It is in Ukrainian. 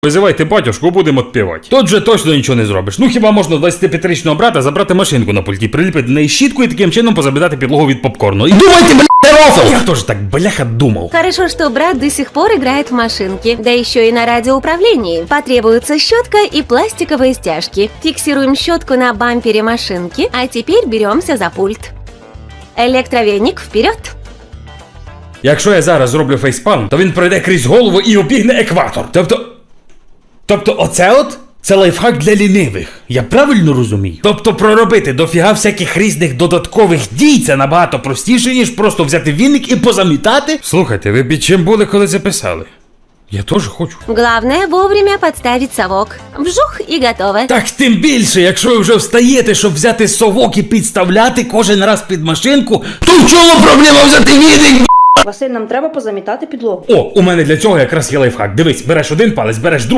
Визивайте батюшку, будемо відпівати. Тут же точно нічого не зробиш. Ну хіба можна 25-річного брата забрати машинку на пульті, приліпити до неї щітку і таким чином позабідати підлогу від попкорну. І думайте, рофл! Я теж так, бляха, думав. Хорошо, что брат до сих пор играет в машинки, да еще и на радиоуправлении. Потребуется щетка и пластиковые стяжки. Фиксируем щетку на бампере машинки, а теперь беремся за пульт. Электровеник вперед! Якщо я зараз зроблю фейспалм, то він пройде крізь голову і обігне екватор. Тобто оце от? Це лайфхак для лінивих. Я правильно розумію? Тобто проробити дофіга всяких різних додаткових дій це набагато простіше, ніж просто взяти віник і позамітати? Слухайте, ви під чим були, коли записали? Я теж хочу. Главное вовремя подставить совок. Вжух и готово. Так тим більше, якщо ви вже встаєте, щоб взяти совок і підставляти кожен раз під машинку, то в чому проблема взяти віник? Василь, нам треба позамітати підлогу. О, у мене для цього якраз є лайфхак. Дивись, береш один палець, береш другий.